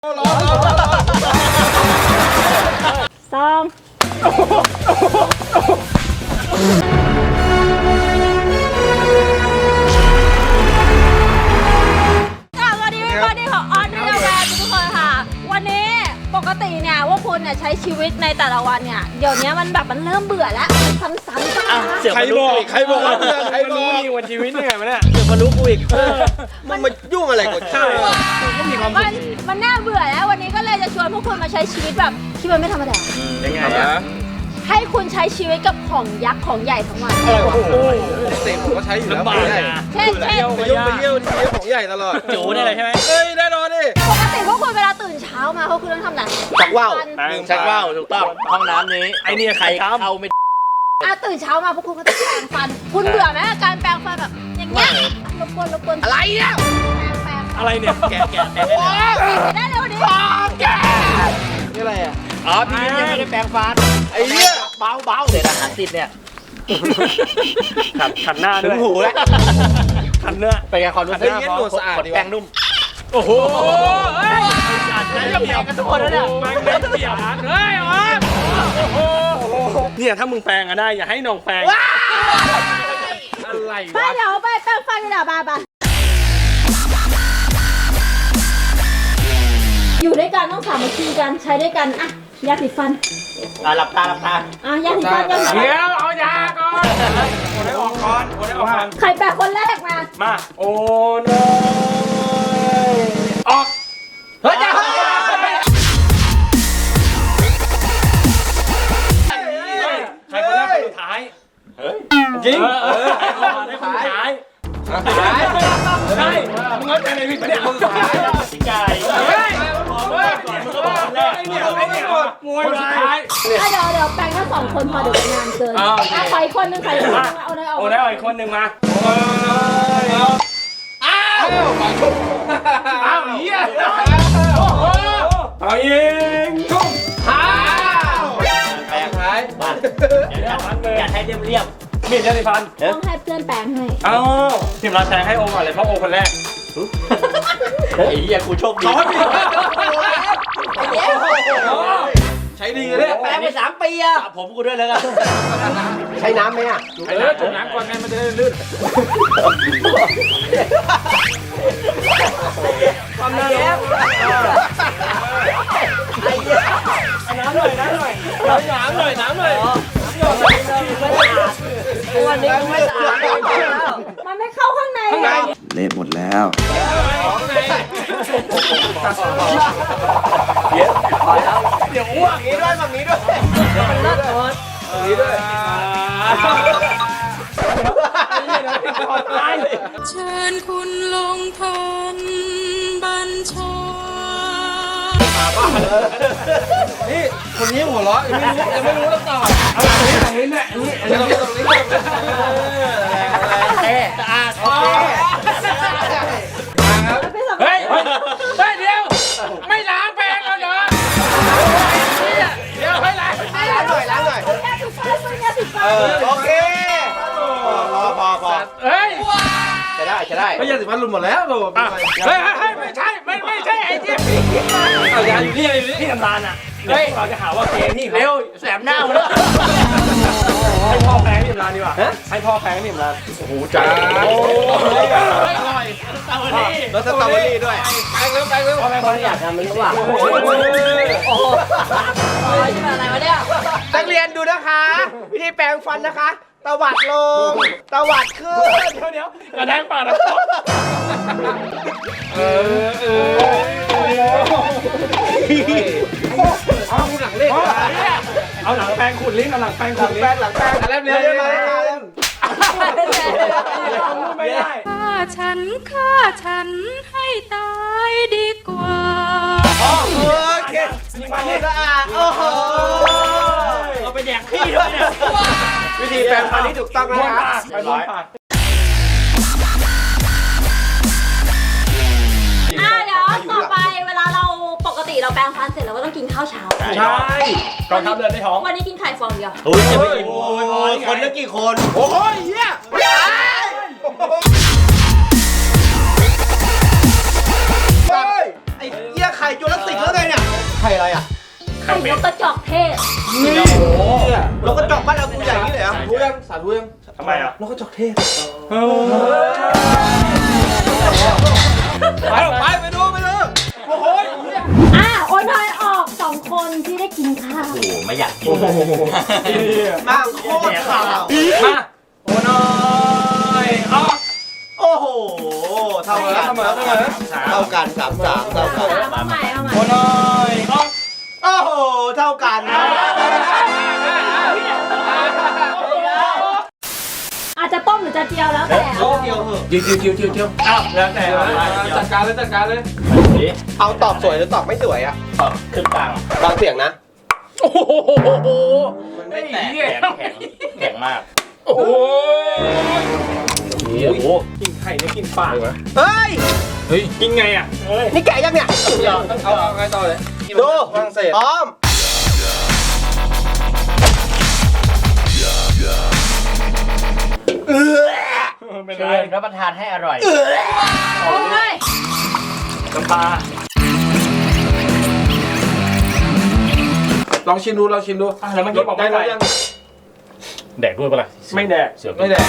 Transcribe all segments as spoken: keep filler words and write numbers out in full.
สองสวัสดีพี่บอดี้ของออนนี่เราแบนทุกคนค่ะวันนี้ปกติเนี่ยว่าคุณเนี่ยใช้ชีวิตในแต่ละวันเนี่ยเดี๋ยวนี้มันแบบมันเริ่มเบื่อแล้วซ้ำๆจ้าใครบอกใครบอกว่าใครบอกนี่วันชีวิตยังไงมาเนี่ยเดี๋ยวมารู้กูอีกมันมายุ่งอะไรกับข้าวก็มีความสุขมันน่าเบื่อแล้ววันนี้ก็เลยจะชวนพวกคุณมาใช้ชีวิตแบบที่มันไม่ธรรมดายังไงอะให้คุณใช้ชีวิตกับของยักษ์ของใหญ่ทั้งวันอะไรวะเต็มผมก็ใช้อยู่แล้วเช่นเช่นไปยุ่งไปเยี่ยวที่ของใหญ่ตลอดจู๋ได้เลยใช่ไหมเฮ้ยแน่นอนดิปกติพวกคุณเวลาตื่นเช้ามาพวกคุณต้องทำอะไรชักว่าวชักว่าวถูกต้องห้องน้ำนี้ไอ้นี่ใครเข้าไม่อ่ะตื่นเช้ามาพวกคุณก็ต้องแปรงฟันคุณเบื่อไหมการแปรงฟันแบบอย่างเงี้ยรบกวนรบกวนอะไรเนี่ยแปรงอะไรเนี่ยแกะแกะแกะได้เลยวันนี้แกะนี่อะไรอ่ะอ๋อพี่ยังไม่ได้แปรงฟันไอ้เนี่ยเบาเบาเดี๋ยวอาหารติดเนี่ยขัดขัดหน้าด้วยถึงหูแล้วขัดเนื้อไปไงความรู้สึกหน้าพอสะอาดแปรงนุ่มโอ้โหเฮ้ยจะเปียกกันทุกคนแล้วเนี่ยแปรงไม่เปียกเฮ้ยอ๋อเนี่ยถ้ามึงแปรงอะได้อย่าให้น้องแปรงอะไรวะไปเดี๋ยวไปแปรงฟันกันเดี๋ยวบ้าบ้าอยู่ด้วยกันต้องสามัคคีกันใช้ด้วยกันอ่ะยาสีฟันอ่ะหลับตาหลับตาอ่ะยาสีฟันยาสีฟันเดี๋ยวเอายาก่อนคนได้ออกก่อนคนได้ออกก่อนใครแปรงคนแรกมามาโอ้โนออกเฮ้ยใครคนแรกคนสุดท้ายเฮ้ยจริงเออใครคนแรกคนสุดท้ายใช่มึงเข้าใจในวิธีเนี่ยคนสุดท้ายพี่ไก่เฮ้ยเฮ้ยมึงก็บอกคนแรกเนี่ยไม่เนี่ยมวยคนสุดท้ายเดี๋ยวเดี๋ยวแปลงแค่สองคนพอเดี๋ยวงานเกินอ่ะใครคนนึงใครคนนึงเอาได้เอาเอาได้อีกคนนึงมาอ้าวอ้าวเหี้ยเอายิงชุ่มอ้าวแปลงท้ายมาอย่าให้เรียบเรียบมีดยาสีฟันต้องให้เพื่อนแปลงให้อ้าวทีมเราแปลงให้โอก่อนเลยเพราะโอคนแรกไอ้เหี้ยกูโชคดีใช้ดีเลยแปลงไปสามปีอะผมกูด้วยแล้วกันใช้น้ำไหมอะเออจุ่มน้ำก่อนไงมันจะได้ลื่นความน่ารักน้ำหน่อยน้ำหน่อยน้ำหน่อยน้ำหน่อยวันนี้ไม่สะอาดมันไม่เข้าข้างในเละหมดแล้วเดี๋ยวเดี๋ยวอ้วกนี้ด้วยแบบนี้ด้วยมันเลิศหมดนี้ด้วยเชิญคุณลงทันบัญชานี่คนนี้หัวเราะยังไม่รู้ยังไม่รู้แล้วต่อเอาตรงนี้ตรงนี้แหละนี่ตรงนี้ตรงนี้แรงสะอาดโอเคมาครับเฮ้ยเฮ้ยเดี๋ยวไม่ล้างแปรงแล้วเหรอเดี๋ยวให้ล้างล้างหน่อยล้างหน่อยเออโอเคพอพอพอเฮ้ยจะได้จะได้ไม่ยาสีฟันหลุดหมดแล้วโดนเฮ้ยเฮ้ยไม่ใช่ไม่ไม่ใช่ไอ้เจี๊ยบเอายาอยู่นี่อยู่นี่ที่ทำงานอ่ะเฮ้ยเราจะหาว่าเกมที่เร็วแสบหน้าเลยให้พ่อแพงที่ทำงานดีกว่าให้พ่อแพงที่ทำงานโอ้โหจ้าโอ้ยอร่อยสตรอเบอรี่แล้วสตรอเบอรี่ด้วยแพงเร็วแพงเร็วพ่อแพงอยากทำมันหรือเปล่าโอ้โหนี่มันอะไรวะเนี่ยนักเรียนดูนะคะวิธีแปรงฟันนะคะตวัดลงตวัดขึ้นเดี๋ยวเดี๋ยวกระแทกปากนะเออเออเอาหลังเล่นเอาหลังแปรงขูดลิ้นเอาหลังแปรงขูดลิ้นหลังแปรงอะไรเร็วเร็วมาเลยไม่ได้ฆ่าฉันฆ่าฉันให้ตายดีกว่าโอเคสะอาดโอ้โหเอาไปแดกขี้ด้วยเนี่ยวิธีแปรงฟันที่ถูกต้องนะครับไปบ้านปากอ่ะเดี๋ยวต่อไปเวลาเราปกติเราแปรงฟันเสร็จเราก็ต้องกินข้าวเช้าใช่ก่อนทำเดินในท้องวันนี้กินไข่ฟองเดียวโอ้ยจะไปกินคนละกี่คนโอ้ยเหี้ยไอ้เหี้ยไข่จุลศิษย์แล้วไงเนี่ยไข่อะไรอ่ะไข่นกกระจอกเทศนี่โอ้นกกระจอกบ้านเรากูใหญ่นี่เลยอ่ะรู้ยังสาธุยังทำไมอ่ะนกกระจอกเทศไปไปไปดูไปดูโอ้โหอ่ะโอนทอยออกสองคนที่ได้กินข้าวโอ้ไม่อยากกินมาโคตรข่าวมาโอ้น้อยออกโอ้โหเท่ากันเสมอเสมอเท่ากันสามสามเท่ากันเอาใหม่เอาใหม่โอ้น้อยออกโอ้โหเท่ากันอาจจะต้มหรือจะเจียวแล้วแต่โลเดียวเหอะจิวจิวจิวจิวจิวอ้าวแล้วแต่จัดการเลยจัดการเลยเอาตอบสวยหรือตอบไม่สวยอ่ะขึ้นกลางบางเสียงนะโอ้โหมันไม่แตกแข็งแข็งแข็งมากโอ้โหโอ้โหกินไข่เนี่ยกินปากวะเฮ้ยเฮ้ยกินไงอ่ะนี่แกะยังเนี่ยเอาเอาไงต่อเลยดูฝรั่งเศสพร้อมเออเชิญรับประทานให้อร่อยโอ้ยน้ำปลาลองชิมดูลองชิมดูอ่ะแล้วมันกินบอกได้ไม่แล้ได้วยังแดกด้วยปะล่ะไม่แดกเสือไม่แดก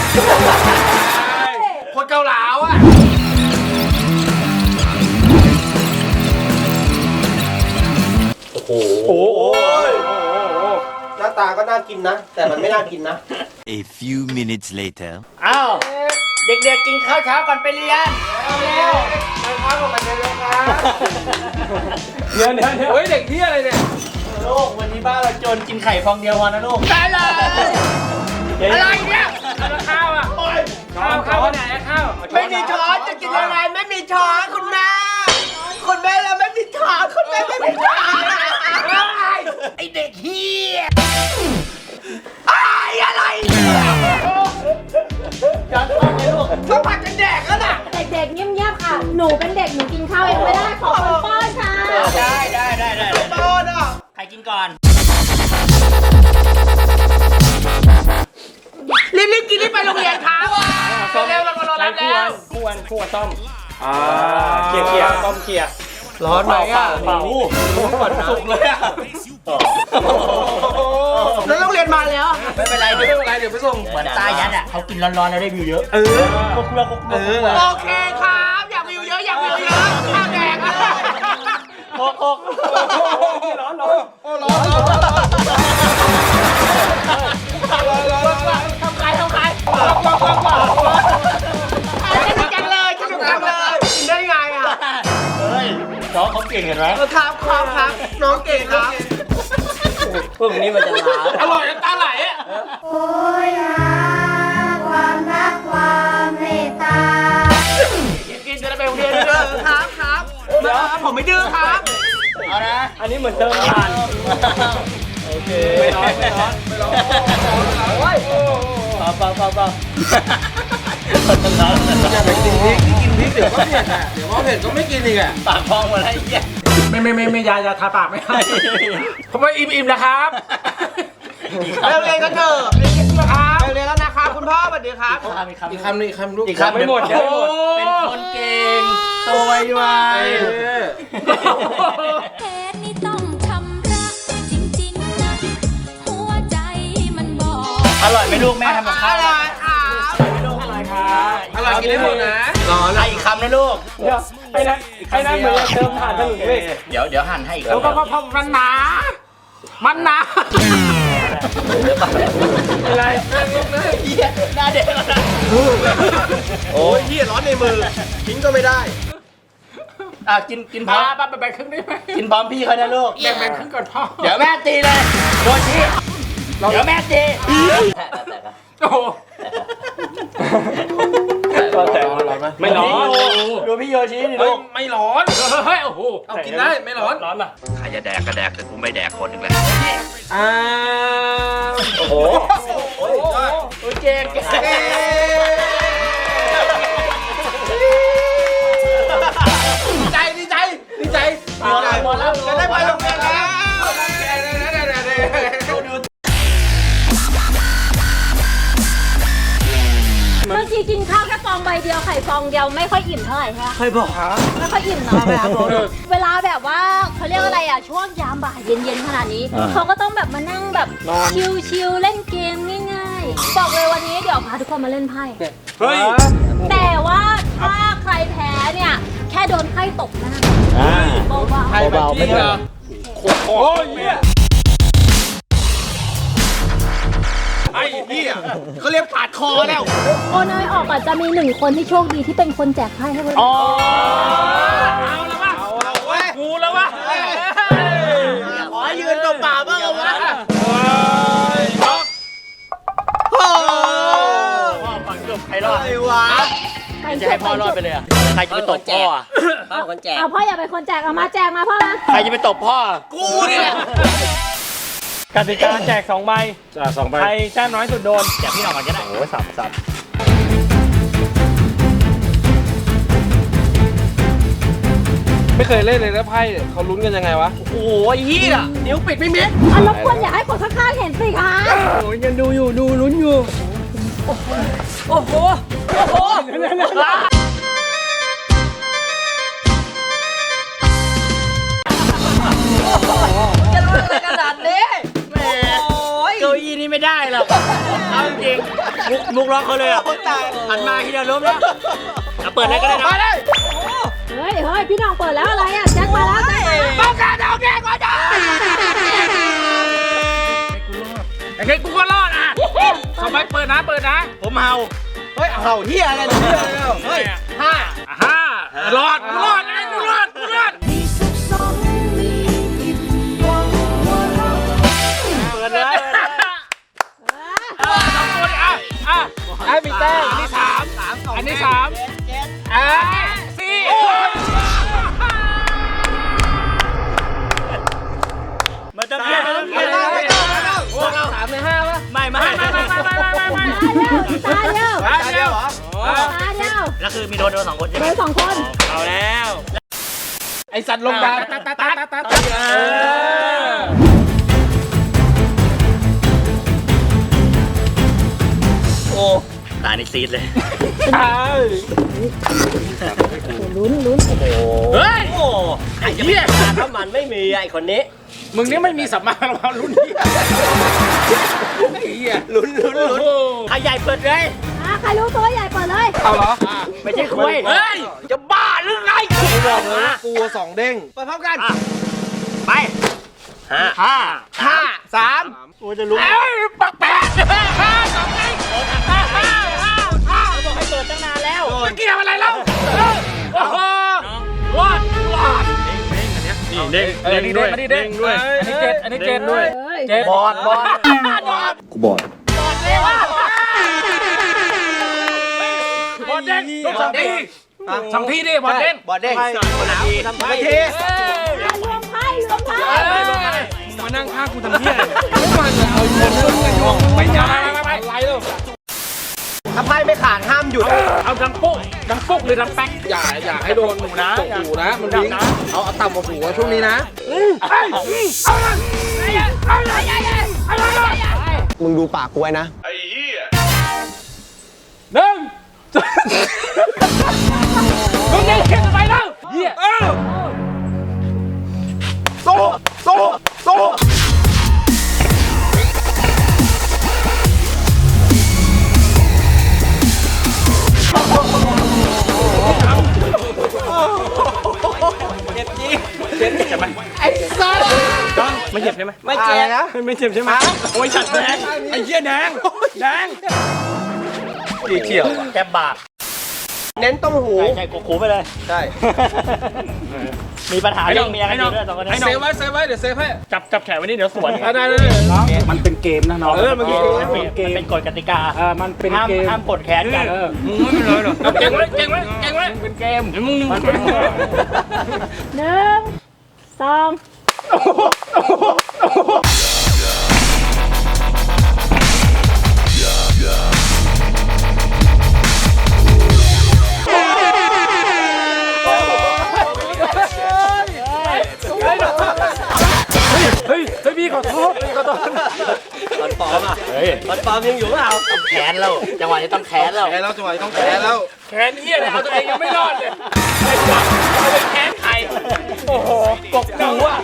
คนเกาเหลาอ่ะโอ้โหโอ้ยหน้าตาก็น่ากินนะ แต่มันไม่น่ากินนะ A few minutes later. อ้าวเด็กๆกินข้าวเช้าก่อนไปเรียนเร็วไปพักก่อนไปเลยครับเดี๋ยวเดี๋ยวเดี๋ยวเฮ้ยเด็กที่อะไรเนี่ยลูกวันนี้บ้านเราจนกินไข่ฟองเดียวพอนะลูกได้เลยอะไรเนี่ยข้าวอ่ะข้าวข้าวไหนข้าวไม่มีช้อนจะกินยังไงไม่มีช้อนคุณแม่คุณแม่เราไม่มีช้อนคุณแม่ไม่มีช้อนไอเด็กเฮียไอ้อะไรจานต้องกินลูกต้องผัดกันแดกแล้วน่ะเด็กๆเงียบๆค่ะ หนูเป็นเด็กหนูกินข้าวเองไม่ได้ขอคนป้อนค่ะได้ได้ได้ได้โตน่ะใครกินก่อนรีบๆกินรีบไปโรงเรียนครับเร็วเรารอรับแล้วควรควรต้มอ่าเคี่ยวเคี่ยวต้มเคี่ยวร้อนไหมอ่ะเป่าสุกเลยอ่ะแล้วโรงเรียนมาแล้วไม่เป็นไรไม่เดี๋ยวเป็นไรเดี๋ยวไปส่งเหมือนใต้ยัดอ่ะเขากินร้อนๆแล้วได้วิวเยอะ เออครบเรือครบเรือโอเคครับอยากวิวเยอะอยากวิวเยอะข้าวแดกเลยโคกโคกร้อนร้อนโอ้ร้อนร้อนร้อนร้อนทำใครทำใครสนุกจังเลยสนุกจังเลยกินได้ไงอ่ะเฮ้ยน้องเขาเก่งเห็นไหมครับครับครับน้องเก่งครับพวกนี้มันจะล้าอร่อยน้ำตาไหลอ่ะโอ้ยหาความรักความเมตตากินจะได้ไปโรงเรียนเออครับครับเดี๋ยวผมไม่ดื้อครับเอานะอันนี้เหมือนเติมผ่านโอเคไม่ร้อนไม่ร้อนไม่ร้อนโอ้ยเปล่าเปล่าเปล่าเปล่าอย่าไปกินพริกกินพริกเดี๋ยวก็เผ็ดอ่ะเดี๋ยวก็เผ็ดก็ไม่กินอีกอ่ะปากพองหมดแล้วไอ้เหี้ยไม่ไม่ไม่ไม่ยายาทาปากไม่ให้ผมว่าอิ่มอิ่มนะครับเร็วเรียนกันเถอะเรียนกันนะครับเรียนแล้วนะครับคุณพ่อสวัสดีครับอีกคำนึงอีกคำลูกอีกคำไม่หมดเดี๋ยวไม่หมดเป็นคนเก่งโตไวไวแค่นี้ต้องชำระจริงๆนะหัวใจมันบอกอร่อยไหมลูกแม่ทำกับข้าวอร่อยครับอร่อยกินได้หมดนะร้อนอีกคำนะลูกเดี๋ยวไอ้นั่นไอ้นั่นเหมือนจะเติมผ่านถนนเลยเดี๋ยวเดี๋ยวหั่นให้อีกแล้วก็พอมันหนา มันหนาอะไรหน้าเด็กแล้วนะโอ้ยพี่ร้อนในมือทิ้งก็ไม่ได้อ่ะกินกินพร้อมป้าไปแบ่งครึ่งได้ไหมกินพร้อมพี่เขานะลูกแบ่งแบ่งครึ่งก่อนพ่อเดี๋ยวแม่ตีเลยโดนชี้เดี๋ยวแม่ตีโอ้โหไม่ร้อนดูพี่โยชิดิเฮ้ลูยกไม่ร้อนเฮ้ยโอ้โหเอากินได้ไม่ร้อนร้อนป่ะใครจะแดกก็แดกแต่กูไม่แดกคนหนึ่งเลยอ่าโอ้โหโอ้ยโอ้ยเก่งเก่งดีใจดีใจดีใจเอาละหมดแล้วจะได้ไปโรงเรียนแล้วเมื่อทีกินข้าวแค่ฟองใบเดียวไข่ฟองเดียวไม่ค่อยอิ่มเท่าไหร่ใช่ไหมเคยบอกไม่ค่อยอิ่มเนาะเวลาแบบว่าเขาเรียกอะไรอ่ะช่วงยามบ่ายเย็นๆขนาดนี้เขาก็ต้องแบบมานั่งแบบชิลๆเล่นเกมง่ายๆบอกเลยวันนี้เดี๋ยวพาทุกคนมาเล่นไพ่เฮ้ยแต่ว่าถ้าใครแพ้เนี่ยแค่โดนไพ่ตกหน้าเบาเบาๆไม่ได้โอ้ยเนี่ยไอ้เหี้ยเขาเรียกปาดคอแล้วๆโอนอยออกอ่ะจะมีหนึ่งคนที่โชคดีที่เป็นคนแจกไพ่ให้คนอ๋อเอาแล้ววะเอาเอาเว้ยกูแล้ววะขอยืนเปล่าๆบ้างเอาวะเฮ้ยโอ้พ่อฝังจบใครรอดไอ้วะจะให้พ่อรอดไปเลยอ่ะใครจะไปตบพ่ออ่ะเอาพ่ออย่าเป็นคนแจกเอามาแจกมาพ่อมาใครจะไปตบพ่อกูนี่แหละกติกาแจกสองใบจ้าสองใบใครแต้มน้อยสุดโดนแจกพี่น้องก่อนก็ได้โอ้ยสับสับไม่เคยเล่นเลยแล้วไพ่เขาลุ้นกันยังไงวะโอ้ยเฮียนิ้วปิดไม่มิดอ่ะรบกวนอย่าให้คนข้างๆเห็นสิคะโอ้ยยังดูอยู่ดูลุ้นอยู่โอ้โหโอ้โหจะรู้อะไรขนาดนี้แหมเก้าอี้นี่ไม่ได้หรอกเอาจริงมุกมุกร้องเขาเลยอ่ะหันมาทีเดียวล้มแล้วเอาเปิดอะไรก็ได้นะเฮ้ยเฮ้ยพี่น้องเปิดแล้วอะไรอ่ะแจ็คมาแล้วแจ็คมาแล้วต้องการเอาแกก่อนจ้าไอ้เค้กกูก็รอดอ่ะสองใบเปิดนะเปิดนะผมเฮาเฮ้ยเห่าเหี้ยอะไรเนี่ยเฮ้ยห้าห้ารอดกูรอดไอ้กูรอดกูรอดเปิดเลยสองตัวดิอ่ะอ่ะไอ้มีแต้มอันนี้สามอันนี้สามอ่ะสี่มาจะเพี้ยนมาจะเพี้ยนพวกเราสามในห้าป่ะไม่ไม่ไม่ไม่ไม่ไม่ตาเดียวตาเดียวเหรอตาเดียวแล้วคือมีโดนโดนสองคนใช่ไหโดมยสองคนเอาแล้วไอสัตว์ลงดาวตัดตัดตัดตัดตัดตัดโอ้ตานี่ซีดเลยลุ้นลุ้นเฮ้ยโอ้ไอ้เหี้ยถ้ามันไม่มีไอ้คนนี้มึงนี่ไม่มีสัมมาระวังรุ่นนี้ไอ้เหี้ยลุ้นลุ้นลุ้นใครใหญ่เปิดเลยอ่ะใครรู้ตัวใหญ่เปิดเลยเอาเหรอไม่ใช่คุยเฮ้ยจะบ้าหรือไงกูบอกเลยว่ากูสองเด้งไปพร้อมกันไปห้าห้าห้าสามกูจะรู้เอ้ยปักแปะห้าสองไงห้าห้าห้าห้าบอกให้เปิดตั้งนานแล้วจะเกี่ยวอะไรเล่าโอ้โหรอดรอดเด้งเด้งด้วยเด้งด้วยอันนี้เจ็ดอันนี้เจ็ดด้วยเจ็ดบอดบอดกูบอดบอลเด้งสองทีสองทีดิบอลเด้งบอดเด้งคนละทีทำไปทีรวมไพ่รวมไพ่มานั่งข้างกูทำเพี้ยไม่มาเลยเอาคนเรื่องกันยองไปย้ายไปไรเลยถ้าไพ่ไม่ขาดห้ามหยุดเอาดังปุ๊กดังปุ๊กหรือดังแป๊กอย่าอย่าให้โดนหูนะหูนะมันวิ่งเอาเอาต่ำกว่าหูช่วงนี้นะเอาละเอาละเอาละมึงดูปากกูไว้นะหนึ่งมึงได้เขียนไปแล้วเฮียโต๊ะโต๊ะโต๊ะไอ้สัสไม่เจ็บใช่ไหมไม่เจ็บนะไม่เจ็บใช่ไหมโอ้ยฉัดแดงไอ้เหี้ยแดงแดงดีเฉียวแกบบาดเน้นต้มหูใช่ใช่กคูไปเลยใช่มีปัญหาเรื่องเมียกันอยู่ด้วยสองคนนี้เซฟไว้เซฟไว้เดี๋ยวเซฟให้จับจับแขนไว้นี่เดี๋ยวสวนได้ได้มันเป็นเกมนะน้องเออมันเป็นเกมมันเป็นกฎกติกาเออมันเป็นห้ามเกมห้ามกดแขนกันมึงไม่เป็นไรหรอกเก่งไว้เก่งไว้เก่งไว้เป็นเกมมึงมึงหนึ่งสองเฮ้ยเฮ้ยพี่พี่ขอโทษพี่ขอโทษตอนปลอมอ่ะเฮ้ยตอนปลอมยังอยู่เปล่าต้องแขนแล้วจังหวะนี้ต้องแขนแล้วแขนแล้วจังหวะนี้ต้องแขนแล้วแขนเหี้ยเนี่ยเอาตัวเองยังไม่รอดเลยไอ้สัสเอาไปแขนใครโอ้โหกบหูอ่ะ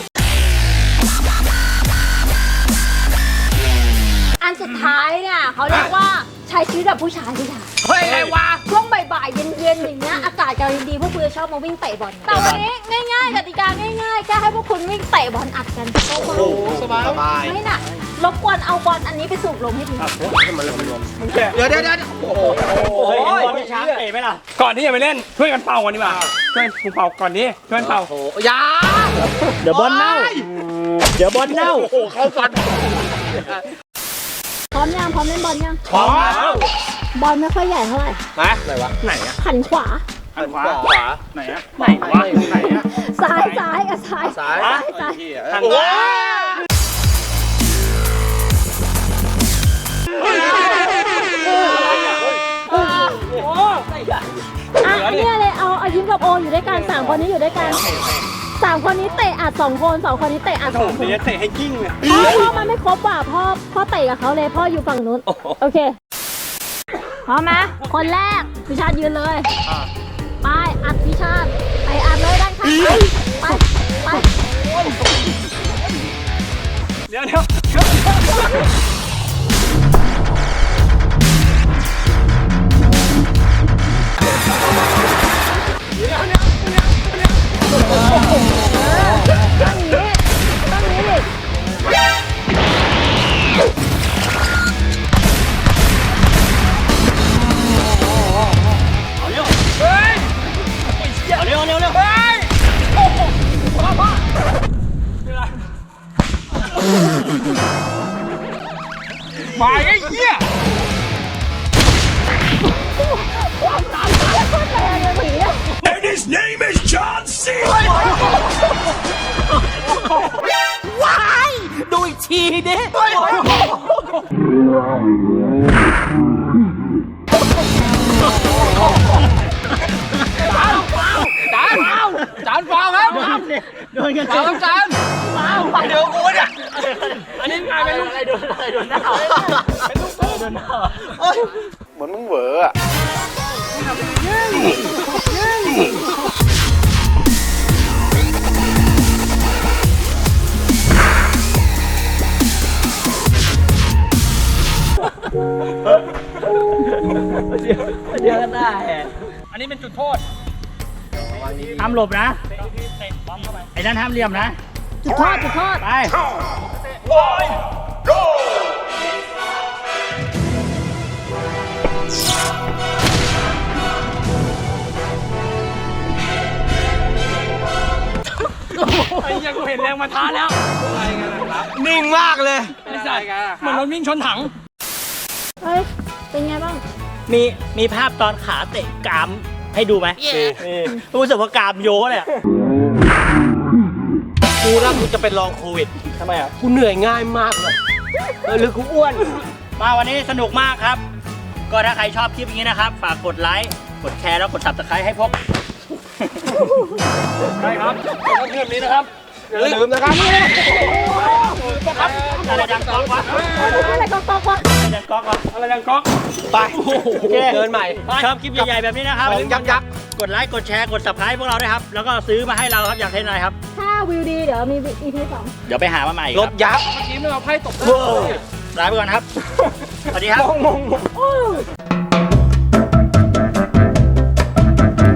อันสุดท้ายเนี่ยเขาเรียกว่าใช้ชีวิตแบบผู้ชายผู้ชายเฮ้ยไงวะช่วงบ่ายๆเย็นๆอย่างเงี้ยอากาศกำลังดีพวกคุณจะชอบมาวิ่งเตะบอลแต่วันนี้ง่ายๆกติกาง่ายๆแค่ให้พวกคุณวิ่งเตะบอลอัดกันโอ้โหสบายสบายไม่หนักรบกวนเอาบอลอันนี้ไปสูบลมให้ทีเดี๋ยวเดี๋ยวเดี๋ยวโอ้โหโอ้ยบอลช้างเตะไหมล่ะก่อนที่จะไปเล่นช่วยกันเป่าก่อนดีกว่าช่วยกูเป่าก่อนดิช่วยกันเป่าโอ้โหอยาเดี๋ยวบอลเน่าเดี๋ยวบอลเน่าโอ้โหเข้าฟันพร้อมยังพร้อมเล่นบอลยังพร้อมแล้วบอลไม่ค่อยใหญ่เท่าไหร่มาไหนวะไหนอะหันขวาอันขวาขวาไหนอะไหนวะไหนอะซ้ายซ้ายอ่ะซ้ายซ้ายซ้ายซ้ายหันโอ้ขวาอ่ะเนี่ยเลยเอาเอายิ้มกับโออยู่ด้วยกันสามคนนี้อยู่ด้วยกันสามคนนี้เตะอัดสองคนสองคนนี้เตะอัดสองคนเดี๋ยวเตะให้กิ้งเลยพ่อพ่อมันไม่ครบว่ะพ่อพ่อเตะกับเขาเลยพ่ออยู่ฝั่งนู้นโอเคพร้อมไหมคนแรกพิชาติยืนเลยไปอัดพิชาติไปอัดเลยด้านข้างไปไปเดี๋ยวเดี๋ยวตั้งนี้ตั้งนี้ดิเอาเร็วเร็วเร็วมาไอ้เหี้ย And his name is John C. ดูอีกทีดิจานจานฟาวครับโดนกันฟาวจานเดี๋ยวกูเนี่ยอันนี้กลายเป็นลูกอะไรโดนอะไรโดนหน้าเป็นลูกโดนหน้าเหมือนมึงเหวออะเดี๋ยวหน้าแหกอันนี้เป็นจุดโทษห้ามหลบนะไอ้นั่นห้ามเหลี่ยมนะจุดโทษจุดโทษไปไอ้เหี้ยังกูเห็นแรงมาท้าแล้วนิ่งมากเลยไอ้สัตว์เหมือนรถวิ่งชนถังเฮ้ยเป็นไงบ้างมีมีภาพตอนขาเตะกรามให้ดูไหมนี่รู้สึกว่ากรามโยเลยอะกูนะกูจะเป็นรองโควิดทำไมอ่ะกูเหนื่อยง่ายมากเลยเออหรือกูอ้วน มาวันนี้สนุกมากครับ ก็ถ้าใครชอบคลิปอย่างนี้นะครับ ฝากกดไลค์กดแชร์แล้วกด ซับสไครบ์ให้พวกใช่ครับแล้วเพื่อนนี้นะครับอย่าลืมนะครับอะไรดังก๊อกวะอะไรก็ตกวะอะไรดังก๊อกวะอะไรยังก๊อกไปโอเคเดินใหม่ชอบคลิปใหญ่ๆแบบนี้นะครับของยักษ์ยักษ์กดไลค์กดแชร์กด ซับสไครบ์พวกเราด้วยครับแล้วก็ซื้อมาให้เราครับอยากเล่นอะไรครับถ้าวิวดีเดี๋ยวมี อี พี สองเดี๋ยวไปหามาใหม่ครรัถบยักษ์เมื่อกี้ไม่เอาไพ่ตกลาไปก่อนครับ สวัสดีครับ